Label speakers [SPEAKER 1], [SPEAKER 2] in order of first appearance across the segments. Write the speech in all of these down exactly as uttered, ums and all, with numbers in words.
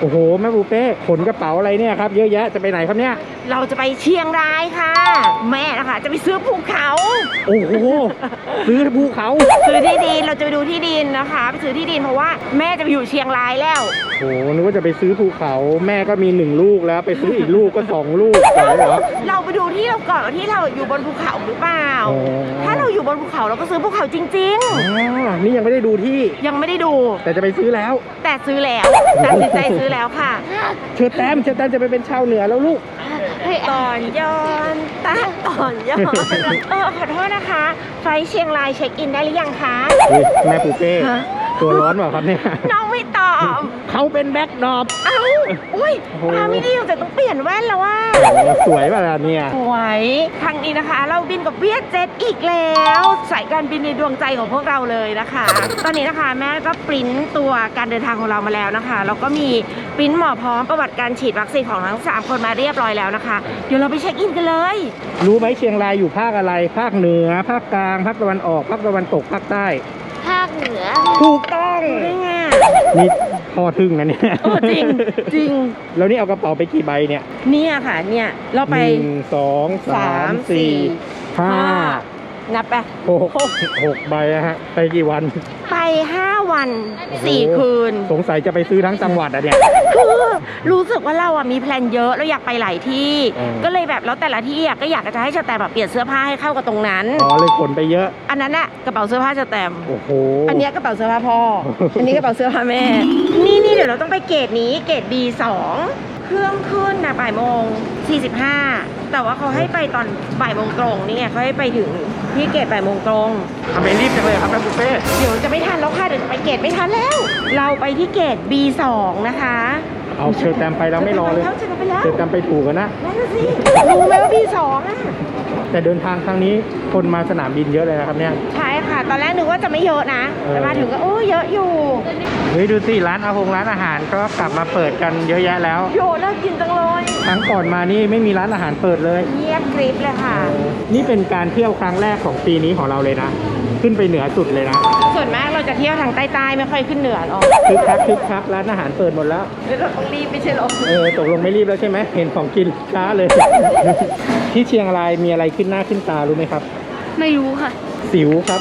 [SPEAKER 1] อ้โหแม่ปูเป้ขนกระเป๋าอะไรเนี่ยครับเยอะแยะจะไปไหนครับเนี่ย
[SPEAKER 2] เราจะไปเชียงรายค่ะแม่นะคะจะไปซื้อภูเขา
[SPEAKER 1] โอ้โหซื้อภูเขา
[SPEAKER 2] ซื้อที่ดินเราจะไปดูที่ดินนะคะไปซื้อที่ดินเพราะว่าแม่จะไปอยู่เชียงรายแล้ว
[SPEAKER 1] โอ้โหนึกว่าจะไปซื้อภูเขาแม่ก็มีหนึ่งลูกแล้วไปซื้ออีกลูกก็สองลูกเหรอ
[SPEAKER 2] เราไปดูที่เราก่อนที่เราอยู่บนภูเขาหรือเปล่าถ้าเราอยู่บนภูเขาเราก็ซื้อภูเขาจริง
[SPEAKER 1] ๆอ๋อนี่ยังไม่ได้ดูที่
[SPEAKER 2] ยังไม่ได้ดู
[SPEAKER 1] แต่จะไปซื้อแล้ว
[SPEAKER 2] แต่ซื้อแล้วตัดสินใจซื้อแล้วค่ะ
[SPEAKER 1] เชิญแต้มเชิญแต้มจะไปเป็นชาวเหนือแล้วลูก
[SPEAKER 2] ก่อนย้อนตาก่อนย้อนเออขอโทษนะคะไฟเชียงรายเช็คอินได้หรือยังคะ
[SPEAKER 1] แม่ปูเป้ตัวร้อนเปล่าครับเนี่ย
[SPEAKER 2] น้องไม่ตอบ
[SPEAKER 1] เขาเป็นแบ็คดรอป
[SPEAKER 2] เอ้าอุ้ยตาไม่ดีแต่ต้องเปลี่ยนแว่นแล้วว่า
[SPEAKER 1] สวยป่ะเนี่ย
[SPEAKER 2] สวยครั้งนี้นะคะเราบินกับเวียดเจ็ตอีกแล้วสายการบินในดวงใจของพวกเราเลยนะคะตอนนี้นะคะแม่ก็ปริ้นตัวการเดินทางของเรามาแล้วนะคะแล้วก็มีปริ้นหมอพร้อมประวัติการฉีดวัคซีนของทั้งสามคนมาเรียบร้อยแล้วนะคะเดี๋ยวเราไปเช็คอินกันเลย
[SPEAKER 1] รู้ไหมเชียงรายอยู่ภาคอะไรภาคเหนือภาคกลางภาคตะวันออกภาคตะวันตกภาคใต้
[SPEAKER 2] ภาคเหนือ
[SPEAKER 1] ถูกต้อง
[SPEAKER 2] ได้ไง
[SPEAKER 1] นี่พอทึ่งนะเนี่ย
[SPEAKER 2] จริงจริง
[SPEAKER 1] แล้วนี่เอากระเป๋าไปกี่ใบเนี่ย
[SPEAKER 2] เนี่ยค่ะเนี่ยเราไป
[SPEAKER 1] หนึ่งสองสามสี่ห้า
[SPEAKER 2] นับไป
[SPEAKER 1] หกหกใบนะฮะไปกี่วัน
[SPEAKER 2] ไปห้าวันสี่คืน
[SPEAKER 1] สงสัยจะไปซื้อทั้งจังหวัดอะเนี่ย
[SPEAKER 2] คือรู้สึกว่าเราอะมีแพลนเยอะเราอยากไปหลายที่ก็เลยแบบแล้วแต่ละที่อะก็อยากจะให้ชาแตมแบบเปลี่ยนเสื้อผ้าให้เข้ากับตรงนั้น
[SPEAKER 1] อ๋อเลยขนไปเยอะ
[SPEAKER 2] อันนั้นอะกระเป๋าเสื้อผ้าชาแตม
[SPEAKER 1] โอ้โห
[SPEAKER 2] อันนี้กระเป๋าเสื้อผ้าพ่ออันนี้กระเป๋าเสื้อผ้าแม่นี่นี่เดี๋ยวเราต้องไปเกรดนี้เกรด บี สองเครื่องขึ้นนะบ่ายโมงสี่สิบห้าแต่ว่าเขาให้ไปตอนบ่ายโมงตรงนี่ไงเขาให้ไปถึงที่เกตบ่ายโมงตรง
[SPEAKER 1] ทำไมรีบจังเลยครับแม่บุฟเฟ่
[SPEAKER 2] เดี๋ยวจะไม่ทันแล้วค่ะเดี๋ยวจะไปเกตไม่ทันแล้วเราไปที่เกต บี สองนะคะ
[SPEAKER 1] เอาเชิญแตมไปแล้วไม่รอเลยเชิญแตมไปถูกกันนะ
[SPEAKER 2] นั่นสิรู้ไหมว่า บี สองอ่ะ
[SPEAKER 1] แต่เดินทางครั้งนี้คนมาสนามบินเยอะเลยนะครับเนี่ย
[SPEAKER 2] ใช่ค่ะตอนแรกนึกว่าจะไม่เยอะนะแต่มาถึงก็โอ้เยอะอยู่
[SPEAKER 1] เฮ้ยดูสิร้านอาหงร้านอาหารก็กลับมาเปิดกันเยอะแยะแล้ว
[SPEAKER 2] โยน่ากินจังเลย
[SPEAKER 1] ครั้งก่อนมานี่ไม่มีร้านอาหารเปิดเลย
[SPEAKER 2] เงียบกริบเลยค่ะ
[SPEAKER 1] นี่เป็นการเที่ยวครั้งแรกของปีนี้ของเราเลยนะขึ้นไปเหนือสุดเลยนะ
[SPEAKER 2] ส่วนมากเราจะเที่ยวทางใต้ๆไม่ค่อยขึ้นเหนือหรอก
[SPEAKER 1] คึกคักคึกคักร้านอาหารเปิดหมดแล้ว
[SPEAKER 2] เราต้องรีบไม่ใช่หรอ
[SPEAKER 1] เออตกลงไม่รีบแล้วใช่ไหมเห็นของกินช้าเลยที่เชียงรายมีอะไรขึ้นหน้าขึ้นตารู้ไหมครับ
[SPEAKER 2] ไม่รู้ค่ะ
[SPEAKER 1] สิวครับ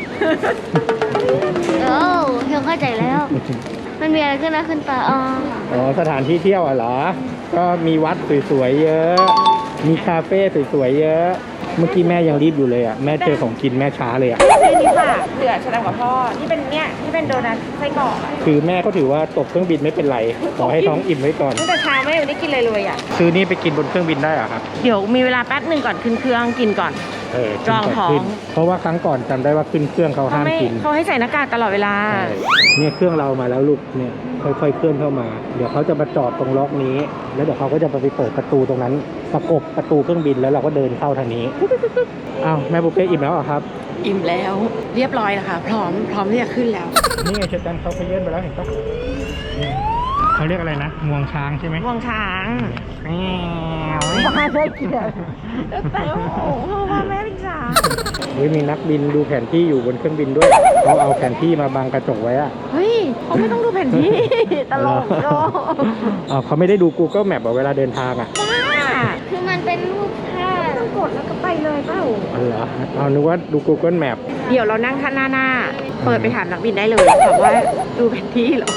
[SPEAKER 2] โอ้เพียงเข้าใจแล้วมันมีอะไรขึ้นหน้าขึ้นตาอ๋อ
[SPEAKER 1] อ๋อสถานที่เที่ยวอ่ะเหรอก็มีวัดสวยๆเยอะมีคาเฟ่สวยๆเยอะเมื่อกี้แม่ยังรีบอยู่เลยอ่ะแม่เจอของกินแม่ช้าเลยอ่ะ
[SPEAKER 2] นี่นี่ค่ะเหลือแสดงกับพ่อที่เป็นเนี่ยที่เป็นโดนัทไส้กรอก
[SPEAKER 1] คือแม่เขาถือว่าตกเครื่องบินไม่เป็นไรขอให้ท้องอิ่มไว้ก่อน
[SPEAKER 2] ตั้งแต่เช้าไม่ได้กินเลยเลยอ่ะ
[SPEAKER 1] คือนี่ไปกินบนเครื่องบินได้เหรอครับ
[SPEAKER 2] เดี๋ยวมีเวลาแป๊บหนึ่งก่อนขึ้นเครื่องกินก่อน
[SPEAKER 1] เออ
[SPEAKER 2] รองท้อง
[SPEAKER 1] เพราะว่าครั้งก่อนจำได้ว่าขึ้นเครื่องเขาห้ามกิน
[SPEAKER 2] เขาให้ใส่หน้ากากตลอดเวลา
[SPEAKER 1] เนี่ยเครื่องเรามาแล้วลูกเนี่ยค่อยๆเคลื่อนเข้ามาเดี๋ยวเขาจะมาจอดตรงล็อกนี้แล้วเดี๋ยวเขาก็จะไปเปิดประตูตรงนั้นประกบประตูเครื่องบินแล้วเราก็เดินเข้าทางนี้อ้าวแม่บุฟเฟ่อิ่มแล้วเหรอครับ
[SPEAKER 2] อิ่มแล้วเรียบร้อยแล้วค่ะพร้อมพร้อมที่จะขึ้นแล้ว
[SPEAKER 1] นี่ไงเชฟแตมเขาไปเยื่นไปแล้วเห็นปะเขาเรียกอะไรนะงวงช้างใช่ไหม
[SPEAKER 2] งวงช้าง
[SPEAKER 1] แมว
[SPEAKER 2] มาได้กินแต่โอ้โหพ่อแม่เป็นช้าง
[SPEAKER 1] เฮ้ยมีนักบินดูแผนที่อยู่บนเครื่องบินด้วยเขาเอาแผนที่มาบังกระจกไว้อะ
[SPEAKER 2] เฮ้ยเขาไม่ต้องดูแผนที่ตลกโล
[SPEAKER 1] อ๋อเขาไม่ได้ดู Google Map เวลาเดินทางอ่ะ
[SPEAKER 2] คือมันเป็นรูปภาพต้องกดแล้วก็ไปเลยเปล่า
[SPEAKER 1] อ๋อเหรอเอานึกว่าดู Google Map
[SPEAKER 2] เดี๋ยวเรานั่งข้างหน้าหน้าเปิดไปถามนักบินได้เลยถามว่าดูแผนที่เหรอ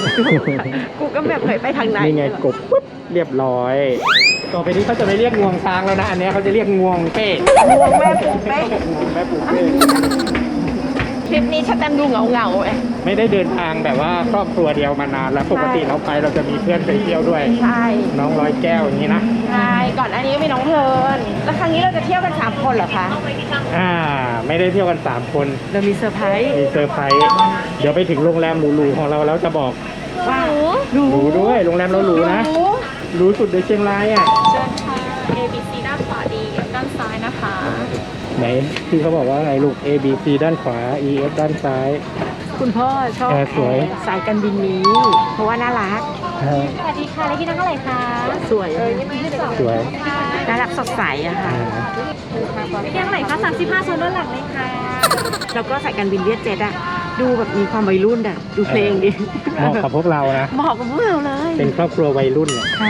[SPEAKER 2] Google Map เคยไปทางไหน
[SPEAKER 1] นี่ไงกดปุ๊บเรียบร้อยต่อไปนี้เขาจะไม่เรียกงวงช้างแล้วนะอันนี้เขาจะเรียกงวงเป้
[SPEAKER 2] งวงแม่ปูเป้
[SPEAKER 1] งวงแม่ปูเป้
[SPEAKER 2] ทริปนี้ชัดแตมดูเหงาเหงาเอ้
[SPEAKER 1] ไม่ได้เดินทางแบบว่าครอบครัวเดียวมานานแล้วปกติเราไปเราจะมีเพื่อนไปเที่ยวด้วย
[SPEAKER 2] ใช่
[SPEAKER 1] น้องร้อยแก้วอย่างนี้นะ
[SPEAKER 2] ใช่ก่อนอันนี้ก็มีน้องเพลินแล้วครั้งนี้เราจะเที่ยวกันสามคนเหรอคะ
[SPEAKER 1] อ่าไม่ได้เที่ยวกันสามคน
[SPEAKER 2] เรามีเซอร์ไพรส์
[SPEAKER 1] มีเซอร์ไพรส์เดี๋ยวไปถึงโรงแรมหรูๆของเราแล้วจะบอก
[SPEAKER 2] ว่า
[SPEAKER 1] หรูด้วยโรงแรมเราหรูนะหรูสุดในเชียงรายอ่ะ
[SPEAKER 3] เชิญค่ะ A B C ด้านขวา D ด้านซ้ายนะคะ
[SPEAKER 1] ไหนที่เขาบอกว่าไงลูก A B C ด้านขวา E F ด้านซ้าย
[SPEAKER 2] คุณพ่อชอบ
[SPEAKER 1] สวย
[SPEAKER 2] สายการบินนี้เพราะว่าน่ารัก
[SPEAKER 3] สวัสดีค่ะเลขที่นั่งเท่าไหร่คะ
[SPEAKER 2] สวย
[SPEAKER 1] สวย
[SPEAKER 2] น่ารักสดใสอะค่ะ
[SPEAKER 3] เลขที่เท่าไหร่คะสามสิบห้าโซนด้านหลังเลยค่ะ
[SPEAKER 2] แล้วก็สายการบินเวียดเจ็ตอะดูแบบมีความวัยรุ่นอ่ะ ดูเพลงดิ
[SPEAKER 1] เหมาะกับพวกเรานะ
[SPEAKER 2] เหมาะกับพวกเราเลย
[SPEAKER 1] เป็นครอบครัววัยรุ่นเนี่ย
[SPEAKER 2] ใช่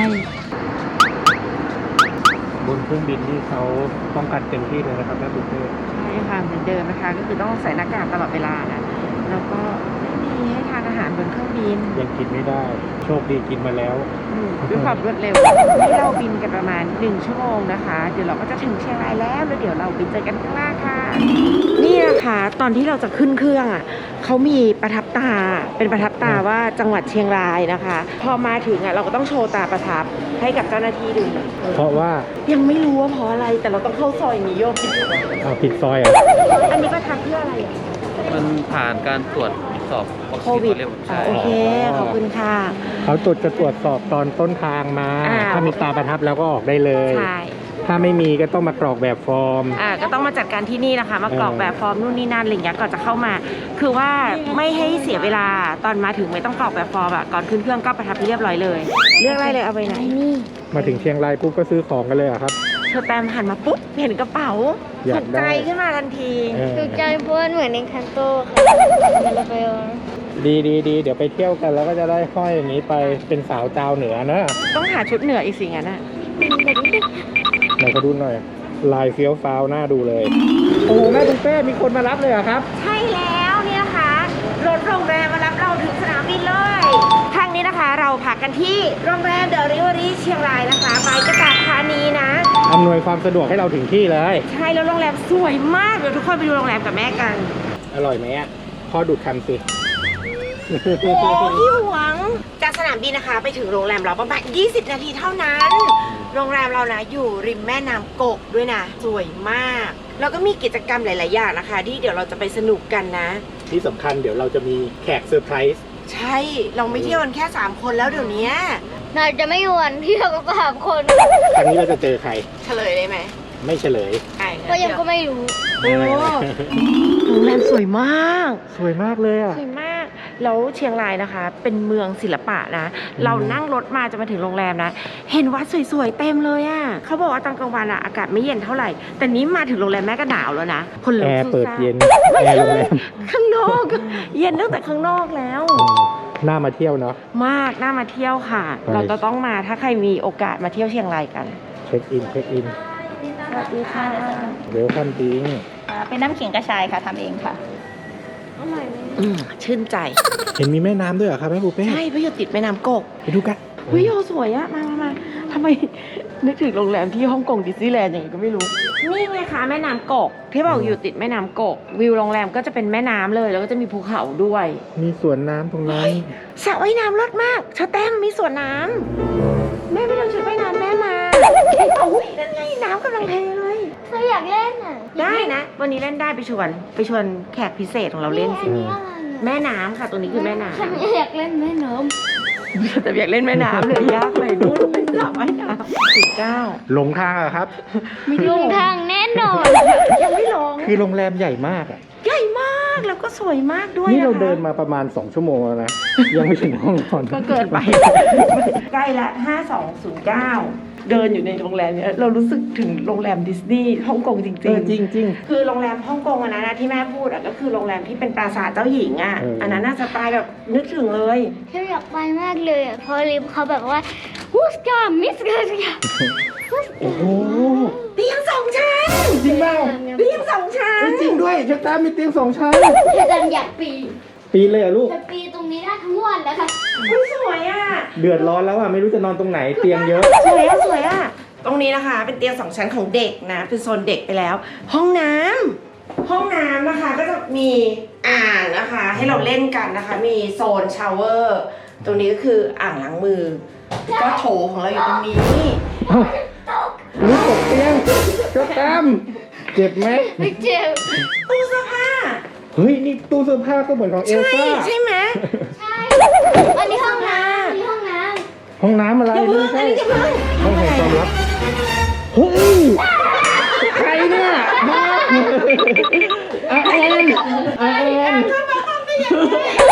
[SPEAKER 1] บนเครื่องบินที่เขาป้องกันเต็มที่เลยนะครับแม่บุฟเฟ่
[SPEAKER 2] ใช่ค่ะเหมือนเดิมนะคะ ก็คือต้องใส่หน้ากากตลอดเวลานะแล้วก็ไม่มีให้ทานอาหารบนเครื่องบิน
[SPEAKER 1] ยังกินไม่ได้ โชคดีกินมาแล้ว
[SPEAKER 2] อืมด้วยความรวดเร็วที่เราบินกันประมาณหนึ่งชั่วโมงนะคะ เดี๋ยวเราก็จะถึงเชียงรายแล้วแล้วเดี๋ยวเราไปเจอกันข้างล่างค่ะ นี่นะคะตอนที่เราจะขึ้นเครื่องอ่ะเขามีประทับตาเป็นประทับตาว่าจังหวัดเชียงรายนะคะ พอมาถึงอ่ะเราก็ต้องโชว์ตาประทับให้กับเจ้าหน้าที่ดู
[SPEAKER 1] เพราะว่า
[SPEAKER 2] ยังไม่รู้ว่าเพราะอะไรแต่เราต้องเข้าซอยนี้โยก
[SPEAKER 1] เอาผิดซอยเหรอ่ะ
[SPEAKER 2] อันนี้ประทับเพื่ออะไรอ่ะ
[SPEAKER 4] มันผ่านการตรวจสอบวัค
[SPEAKER 2] โค
[SPEAKER 4] ซีน
[SPEAKER 2] วิด
[SPEAKER 4] เรียบ
[SPEAKER 2] อ๋อ
[SPEAKER 4] ใช่
[SPEAKER 2] โอเคขอบคุณค่ะ
[SPEAKER 1] เขาตรวจจะตรวจสอบตอนต้นทางมา
[SPEAKER 2] อ่า
[SPEAKER 1] ถ้ามีตาประทับแล้วก็ออกได้เลย
[SPEAKER 2] ใช่
[SPEAKER 1] ถ้าไม่มีก็ต้องมากรอกแบบฟอร์ม
[SPEAKER 2] อ่าก็ต้องมาจัดการที่นี่นะคะ มากรอกแบบฟอร์มนู่นนี่นั่นอะไรอย่างเงี้ยก่อนจะเข้ามา คือว่าไม่ให้เสียเวลาตอนมาถึงไม่ต้องกรอกแบบฟอร์มอะก่อนขึ้นเครื่องก็ประทับเรียบร้อยเลย เลือกอะไรเลยเอาไปไหนนี่
[SPEAKER 1] มาถึงเชียงรายปุ๊บก็ซื้อของกันเลยเหรอะครับ
[SPEAKER 2] เธอแตมหันมาปุ๊บเห็นกระเป๋า
[SPEAKER 1] อยา
[SPEAKER 2] ถู
[SPEAKER 1] ก
[SPEAKER 2] ก
[SPEAKER 1] ได้
[SPEAKER 2] ใจขึ้นมาทันที
[SPEAKER 1] เออ
[SPEAKER 3] ถูกใจเพราะมันเหมือนในคันโตค่ะมันจะไปเอา
[SPEAKER 1] ดีดีดีเดี๋ยวไปเที่ยวกันแล้วก็จะได้ห้อยอย่างนี้ไปเป็นสาวเจ้าเหนือนะ
[SPEAKER 2] ต้องหาชุดเหนืออีกสิ่งอ่ะนะ
[SPEAKER 1] ไหนก็ดูหน่อย ลายเฟี้ยวฟ้าวหน้าดูเลย โอ้โหแม่บุฟเฟ่มีคนมารับเลยเหรอครับ
[SPEAKER 2] ใช่แล้วเนี่ยนะคะรถโรงแรมมารับเราถึงสนามบินเลยครั้งนี้นะคะเราพักกันที่โรงแรมเดอะริเวอรี่เชียงรายนะคะไปกระตากธานีนะ
[SPEAKER 1] อำนวยความสะดวกให้เราถึงที่เลย
[SPEAKER 2] ใช่แล้วโรงแรมสวยมากเดี๋ยวทุกคนไปดูโรงแรมกับแม่กัน
[SPEAKER 1] อร่อยไหมอ่ะพ่อดูดคำสิ
[SPEAKER 2] โอ้พี่หวงจากสนามบินนะคะ ไปถึงโรงแรมเราประมาณยี่สิบนาทีเท่านั้น โรงแรมเรานะอยู่ริมแม่น้ำกกด้วยนะสวยมากแล้วก็มีกิจกรรมหลาย ๆ อย่างนะคะ ที่เดี๋ยวเราจะไปสนุกกันนะ
[SPEAKER 1] ที่สำคัญเดี๋ยวเราจะมีแขกเซอร์ไพรส์
[SPEAKER 2] ใช่เราไม่เที่ยวกันแค่สามคนแล้วเดี๋ยวนี้
[SPEAKER 3] น่าจะไม่หวนที่เราก็สามคน
[SPEAKER 1] ครั้งนี้เราจะเจอใคร
[SPEAKER 2] เฉลยได้ไหม
[SPEAKER 1] ไม่เฉลย
[SPEAKER 2] ไอ้
[SPEAKER 3] ก็ยังก็ไม่รู้
[SPEAKER 2] โอ้โรงแรมสวยมาก
[SPEAKER 1] สวยมากเลยอ่ะ
[SPEAKER 2] สวยมาก แล้วเชียงรายนะคะ เป็นเมืองศิลปะนะ เรานั่งรถมาจะมาถึงโรงแรมนะ เห็นวัดสวยๆเต็มเลยอะ่ะเขาบอกว่าตอนกลางวันอะอากาศไม่เย็นเท่าไหร่ แต่นี้มาถึงโรงแรมแม่ก็หนาวแล้วนะ คน
[SPEAKER 1] แอ
[SPEAKER 2] ลุก
[SPEAKER 1] ร์
[SPEAKER 2] สู้
[SPEAKER 1] เปิด
[SPEAKER 2] ซ่า
[SPEAKER 1] เย็น แอร์โรงแรม
[SPEAKER 2] ข้างนอก เย็นตั้งแต่ข้างนอกแล้ว
[SPEAKER 1] น่ามาเที่ยวเนาะ
[SPEAKER 2] มากน่ามาเที่ยวค่ะ
[SPEAKER 1] ไป
[SPEAKER 2] เราจะต้องมาถ้าใครมีโอกาสมาเที่ยวเชียงรายกัน
[SPEAKER 1] เช็คอิน เช็คอิน
[SPEAKER 2] สวัสดีค่ะ
[SPEAKER 1] เวลคัมดิ้ง
[SPEAKER 3] เป็นน้ำขิงกระชายค่ะทำเองค่ะ
[SPEAKER 2] อืมชื่นใจ
[SPEAKER 1] เห็นมีแม่น้ำด้วยเหรอครับแม่ปูเป้
[SPEAKER 2] ใช่เพราะอยู่ติดแม่น้ำกก
[SPEAKER 1] ไปดูกัน
[SPEAKER 2] วิวสวยอะมามามาทำไม นึกถึงโรงแรมที่ฮ่องกงดิสนีย์แลนด์อย่างนี้ก็ไม่รู้ นี่ไงคะแม่น้ำกก ที่บอกอยู่ติดแม่น้ำกก วิวโรงแรมก็จะเป็นแม่น้ำเลย แล้วก็จะมีภูเขาด้วย
[SPEAKER 1] มีสวนน้ำตรงนั้น
[SPEAKER 2] สระว่ายน้ำรดมากชาแต้มมีสวนน้ำแม่ไม่ต้องชุดว่ายน้ำแม่มาโอ้ยนั่นไงน้ำกำลังเทเลย
[SPEAKER 3] เธออยากเล่นอ่ะ
[SPEAKER 2] ได้นะ วันนี้เล่นได้ไปชวน ไปชวนแขกพิเศษของเราเล่นสิ
[SPEAKER 3] อันนี้อะไรอ่ะ
[SPEAKER 2] แม่น้ำค่ะ ตัวนี้คือแม่น้
[SPEAKER 3] ฉันอยากเล่นแม่น้
[SPEAKER 2] ำแต่อยากเล่นแม่น้ำเลยยากเลยนู่นเป็นสระว่ายน้ำสิบเก้า
[SPEAKER 1] หลงทางเหรอครับ
[SPEAKER 2] ไม่
[SPEAKER 3] ำ
[SPEAKER 2] ได้
[SPEAKER 3] ล
[SPEAKER 2] ล
[SPEAKER 3] ง
[SPEAKER 2] ง
[SPEAKER 3] ทางแน่นอน
[SPEAKER 2] ยังไม่ลง
[SPEAKER 1] คือโรงแรมใหญ่มากอ่ะ
[SPEAKER 2] ใหญ่มากแล้วก็สวยมากด้วย
[SPEAKER 1] นี่เรา
[SPEAKER 2] ะคะ
[SPEAKER 1] เดินมาประมาณสองชั่วโมงแล้วนะ ยังไม่ถึงห้องนอน
[SPEAKER 2] ก็เกินไป ใกล้ละห้าสองศูนย์เก้าเดินอยู่ในโรงแรมเนี้ยเรารู้สึกถึงโรงแรมดิสนีย์ฮ่องกงจริง
[SPEAKER 1] เออจริงจริง
[SPEAKER 2] คือโรงแรมฮ่องกงอันนั้นนะที่แม่พูดอ่ะก็คือโรงแรมที่เป็นปราสาทเจ้าหญิงอ่ะ
[SPEAKER 1] เอออั
[SPEAKER 2] อันนั้นน่าสไตล์แบบนึกถึงเลย
[SPEAKER 3] ฉันอยากไปมากเลยอ่ะเพอริมเขาแบบว่าฮูสกามิสกาสกา
[SPEAKER 1] โอ้โห
[SPEAKER 2] เตียงสองชั้น
[SPEAKER 1] จริงเปล่า
[SPEAKER 2] เตียงสองชั้น
[SPEAKER 1] เอ้ยจริงด้วยชักตามีเตียงสองชั้น
[SPEAKER 3] ฉันอยากปี
[SPEAKER 1] ปีนเลยเหรอลูก
[SPEAKER 3] จะปีตรงนี้ได้ทั้งวันแล้วค่ะ
[SPEAKER 2] อุ๊ยสวยอ่ะ
[SPEAKER 1] เดือดร้อนแล้วอ่ะ ไม่รู้จะนอนตรงไหน เตียงเยอะ
[SPEAKER 2] สวยอ่ะสวยอ่ะ ตรงนี้นะคะ เป็นเตียงสองชั้นของเด็กนะ เป็นโซนเด็กไปแล้ว ห้องน้ำห้องน้ำนะคะก็จะมีอ่างนะคะ ให้เราเล่นกันนะคะ มีโซนชาวเวอร์ ตรงนี้ก็คืออ่างล้างมือ ก็โถของเราอยู่ตรงนี้
[SPEAKER 1] เอ้าลูกตกเตียงชักตามเจ็บไหม
[SPEAKER 3] ไม่เจ็บ
[SPEAKER 2] ตู้เสื้อผ้า
[SPEAKER 1] เฮ้ย นี่ตู้เสื้อผ้าก็เหมือนของเอล
[SPEAKER 2] ใช่
[SPEAKER 1] ซ่า
[SPEAKER 2] ใช่ไหม
[SPEAKER 3] ใช่ อันนี้ห้องน้ำอันนี้ห้องน้
[SPEAKER 1] ห้องน้ำอะไร
[SPEAKER 2] อย่าเพิ่ง
[SPEAKER 1] ไม่
[SPEAKER 2] อัน
[SPEAKER 1] ใช่
[SPEAKER 2] นี้อย่าเพิ่ง
[SPEAKER 1] ห้องแห่งความลับ เฮ้ย ใครเนี่ยมาอาแอนอาแอน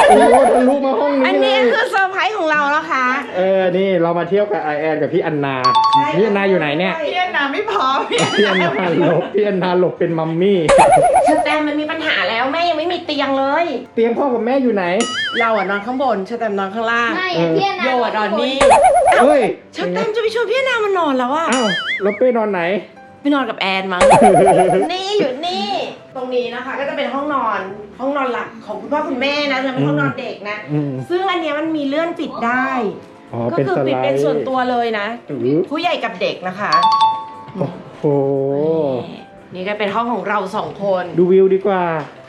[SPEAKER 1] โอ้ทะลุมาห้อง
[SPEAKER 2] อัน
[SPEAKER 1] นี้เล
[SPEAKER 2] นี้
[SPEAKER 1] ย
[SPEAKER 2] คือเซอร์ไพรส์ของเรานะคะ
[SPEAKER 1] เออ นี่เรามาเที่ยวกับไอแอนกับพี่อันนา พี่อันนาอยู่ไหนเนี่ย
[SPEAKER 2] พี่อันนาไม่พอพี่
[SPEAKER 1] พี่อันนาหลบ พี่อันนาหลบเป็นมัมมี่
[SPEAKER 2] เชอแตมมันมีปัญหาแล้วแม่ยังไม่มีเตียงเลย
[SPEAKER 1] เตียงพ่อกับแม่อยู่ไหน
[SPEAKER 2] เราอะนอนข้างบนเชอแตมนอนข้างล่าง
[SPEAKER 3] ไม่
[SPEAKER 1] เออ
[SPEAKER 3] พี่นา
[SPEAKER 2] โยอะนอนนี่
[SPEAKER 1] เฮ้ย
[SPEAKER 2] เชอแตมจะไปชวนพี่อันนามานอนแล้วอะ
[SPEAKER 1] อ้าวแล้วเป้นอนไหน
[SPEAKER 2] ไปนอนกับแอนมั้ง นี่อยู่นี่ ตรงนี้นะคะ ก็จะเป็นห้องนอนห้องนอนหลักของคุณพ่อคุณแม่นะจะเป็นห้องนอนเด็กนะ
[SPEAKER 1] อืม
[SPEAKER 2] ซึ่งอันเนี้ยมันมีเลื่อนปิดได้
[SPEAKER 1] อ๋อ
[SPEAKER 2] ก็
[SPEAKER 1] เป็น
[SPEAKER 2] คือ
[SPEAKER 1] ส
[SPEAKER 2] ปิด
[SPEAKER 1] ไล
[SPEAKER 2] เป็น
[SPEAKER 1] ด์
[SPEAKER 2] ส่วนตัวเลยนะ
[SPEAKER 1] อือ
[SPEAKER 2] ผู้ใหญ่กับเด็กนะคะ
[SPEAKER 1] โอ้โห
[SPEAKER 2] นี่ก็เป็นห้องของเราสองคน
[SPEAKER 1] ดูวิวดีกว่า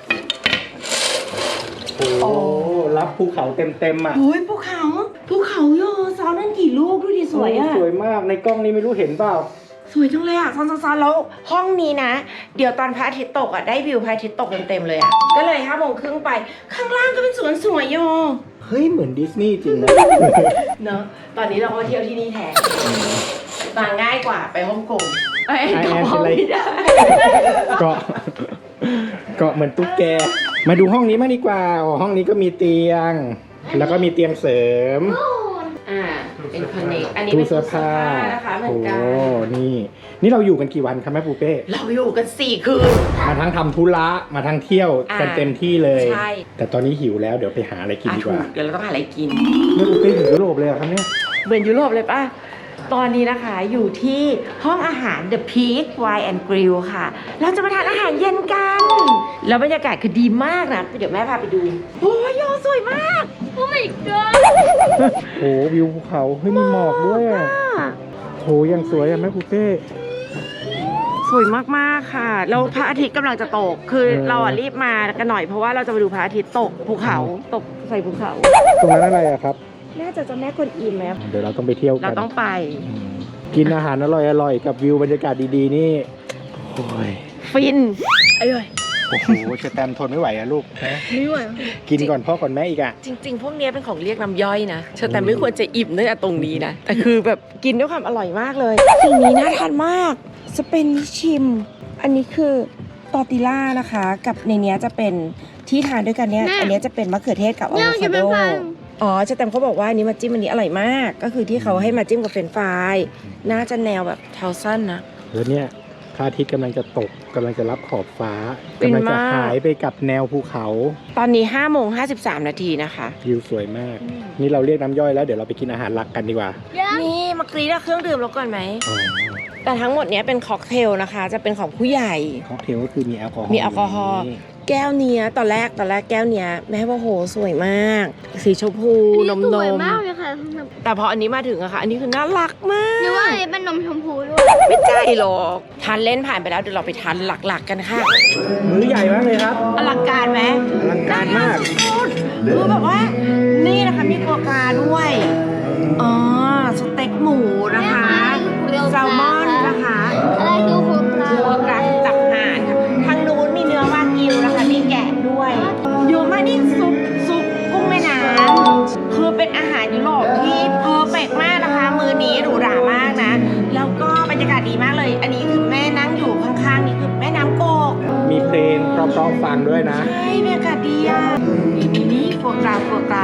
[SPEAKER 1] โอ้
[SPEAKER 2] โอ้
[SPEAKER 1] รับภูเขาเต็มๆอ่ะ
[SPEAKER 2] โอ้ยภูเขาภูเขาโยซ้อนนั่นกี่ลูกดูดิสวยอะ
[SPEAKER 1] สวยมาก ในกล้องนี้ไม่รู้เห็นเปล่า
[SPEAKER 2] สวยจังเลยอะซ้อนๆๆแล้วห้องนี้นะ เดี๋ยวตอนพระอาทิตย์ตกอะได้วิวพระอาทิตย์ตกเต็มๆเลยอะก็เลยห้าโมงครึ่งไป ข้างล่างก็เป็นสวนสวยโย
[SPEAKER 1] เฮ้ย เหมือนดิสนีย์จริงนะ
[SPEAKER 2] เนอะตอนนี้เราก็เที่ยวที่นี่แทนมาง่ายกว่าไปฮ่องกงไอ้
[SPEAKER 1] ไอแอน
[SPEAKER 2] ห้
[SPEAKER 1] เป็
[SPEAKER 2] อน ง
[SPEAKER 1] ไร
[SPEAKER 2] ไม่ได้
[SPEAKER 1] เกาะ เกาะเหมือนตุ๊กแก มาดูห้องนี้มากดีกว่าอ๋อห้องนี้ก็มีเตียง แล้วก็มีเตียงเสริม
[SPEAKER 2] อ่าเป็นคอนเนคอันนี้
[SPEAKER 1] ตู้
[SPEAKER 2] เป็น
[SPEAKER 1] เสื้
[SPEAKER 2] ตู้
[SPEAKER 1] อ
[SPEAKER 2] เสื้อ
[SPEAKER 1] ผ้า
[SPEAKER 2] ผ้านะคะเหมือนกัน
[SPEAKER 1] โอ้นี่ นี่เราอยู่กันกี่วันครับแม่ปูเป้
[SPEAKER 2] เราอยู่กันสี่คืน
[SPEAKER 1] มาทั้งทำธุระ มาทั้งเที่ยว
[SPEAKER 2] อ่า
[SPEAKER 1] กันเต็มที่เลย
[SPEAKER 2] ใช่
[SPEAKER 1] แต่ตอนนี้หิวแล้วเดี๋ยวไปหาอะไรกิน
[SPEAKER 2] อ่ะ
[SPEAKER 1] ดีก
[SPEAKER 2] ถู
[SPEAKER 1] ว่า
[SPEAKER 2] กเดี๋ยวเราต้องหาอะไรกิน
[SPEAKER 1] แม่ปูเป้ถึงยุโรปเลยเหรอครับเนี่ย
[SPEAKER 2] เหมือนยุโรปเลยป่ะ ตอนนี้นะคะอยู่ที่ห้องอาหาร The Peak Wine and Grill ค่ะ เราจะมาทานอาหารเย็นกัน แล้วบรรยากาศคือดีมากนะ เดี๋ยวแม่พาไปดู โอ้ยโยสวยมาก
[SPEAKER 3] โอ้ my god
[SPEAKER 1] โอ้วิวภูเขาเฮ้ยมีหมอกด้วยอะโหยังสวยอะแม่ปูเป้
[SPEAKER 2] สวยมากๆค่ะ แล้วพระอาทิตย์กำลังจะตก คือ
[SPEAKER 1] เออ
[SPEAKER 2] เราอ่ะรีบมากันหน่อยเพราะว่าเราจะไปดูพระอาทิตย์ตกภูเขา ตกใส่ภูเขา
[SPEAKER 1] ตรงนั้นอะไรอะครับ
[SPEAKER 2] น่าจะเจ้าแม่กวนอิมไหม
[SPEAKER 1] เดี๋ยวเราต้องไปเที่ยว
[SPEAKER 2] เรา
[SPEAKER 1] กัน
[SPEAKER 2] ต้องไป
[SPEAKER 1] อืมกินอาหารอร่อยๆกับวิวบรรยากาศดีๆนี่โอ้ย
[SPEAKER 2] ฟินอร่อย
[SPEAKER 1] โอ้โหเชอแตมทนไม่ไหวอะลูกนะ
[SPEAKER 3] ไม่ไหว
[SPEAKER 1] กินก่อนพ่อก่อนแม่อีกอะ
[SPEAKER 2] จริง ๆ พวกเนี้ยเป็นของเรียกน้ำย่อยนะเชอแต่ไม่ควรจะอิ่มตั้งแต่ตรงนี้นะ แต่คือแบบกินด้วยความอร่อยมากเลย สิ่งนี้น่าทานมาก สเปนชิม อันนี้คือตอร์ติล่านะคะ กับในเนี้ยจะเป็นที่ทานด้วยกันเนี้ย อันเนี้ยจะเป็นมะเขือเทศกับอะโว
[SPEAKER 3] เนี่ย
[SPEAKER 2] คา
[SPEAKER 3] จะ
[SPEAKER 2] โด
[SPEAKER 3] เป็นฟัน
[SPEAKER 2] อ๋อเชอแตมเขาบอกว่าอันนี้มาจิ้มอันนี้อร่อยมาก ก็คือที่เขาให้มาจิ้มกับเฟรนช์ฟรายน่าจะแนวแบบเทาสั้นนะ
[SPEAKER 1] แล้วเนี่ยพระอาทิตย์กำลังจะตกกำลังจะรับขอบฟ้า
[SPEAKER 2] ฟิน
[SPEAKER 1] กำลังจะ
[SPEAKER 2] มาก
[SPEAKER 1] หายไปกับแนวภูเขา
[SPEAKER 2] ตอนนี้ห้าโมงห้าสิบสามนาทีนะคะ
[SPEAKER 1] วิวสวยมาก นี่เราเรียกน้ำย่อยแล้วเดี๋ยวเราไปกินอาหารหลักกันดีกว่า
[SPEAKER 2] นี่มากรีดเครื่องดื่มเราก่อนไหม
[SPEAKER 1] อ๋อ
[SPEAKER 2] แต่ทั้งหมดเนี้ยเป็นค็อกเทลนะคะ จะเป็นของผู้ใหญ่
[SPEAKER 1] ค็อกเทลก็คือมีแอลกอฮอล์
[SPEAKER 2] มีแอลกอฮอล์
[SPEAKER 1] นี่
[SPEAKER 2] แก้วเนี้ยตอนแรกตอนแรกแก้วเนี้ยแม่ว่าโหสวยมาก สีชมพูนม
[SPEAKER 3] ส
[SPEAKER 2] น
[SPEAKER 3] วย
[SPEAKER 2] ม
[SPEAKER 3] มากเลยค่ะ
[SPEAKER 2] แต่พออันนี้มาถึงอะค่ะ อันนี้คือน่ารักมา
[SPEAKER 3] หรือว่าก อันนี้เป็นนมชมพูด้วย
[SPEAKER 2] ไม่ใช่หรอกทานเล่นผ่านไปแล้วเดี๋ยวเราไปทานหลักๆกันค่ะ
[SPEAKER 1] มื้อใหญ่มากเลยครับ
[SPEAKER 2] อลังการไหม
[SPEAKER 1] อลังการมาก
[SPEAKER 2] สุดๆคือแบบว่า นี่นะคะมีกัวกราด้วยอ๋อสเต็กหมูนะคะแซลมอนนะคะ
[SPEAKER 3] อะไรคือโคปลา
[SPEAKER 2] กัวกราตับห่านค่ะทางนู้นมีเนื้อวากิวนะคะมีแกะด้วยเยอะมากนี่ซุปซุปกุ้งแม่น้ำคือเป็นอาหารยุโรปที่เพอร์เฟกต์มากนะคะ มือนี้หรูหรามากนะ แล้วก็บรรยากาศดีมากเลย อันนี้คือแม่นั่งอยู่ข้างๆนี่คือแม่น้ำโกก
[SPEAKER 1] มีเพลงเพราะๆฟังด้วยนะ
[SPEAKER 2] ใช่บรรยากาศดีอ่ะนี่นี่นี่โฟกราโฟกรา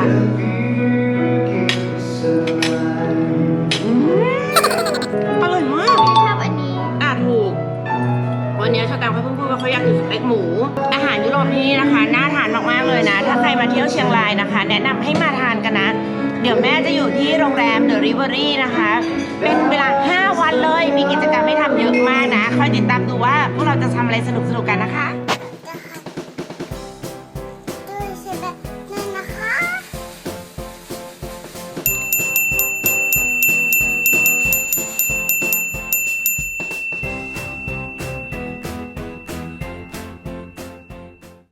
[SPEAKER 2] อืมอร่อยมาก
[SPEAKER 3] ชอบอันนี้
[SPEAKER 2] อ่ะถูก วันนี้ชาแตมเขาเพิ่งพูดว่าเขาอยากกินสเต็กหมู อาหารยุโรปที่นี่นะคะน่าทานมากๆเลยนะ ถ้าใครมาเที่ยวเชียงรายนะคะ แนะนำให้มาทานกันนะ เดี๋ยวแม่จะอยู่ที่โรงแรมเดอะริเวอรี่นะคะ เป็นเวลาห้าวันเลย มีกิจกรรมให้ทำเยอะมากนะ คอยติดตามดูว่าพวกเราจะทำอะไรสนุกๆกันนะคะ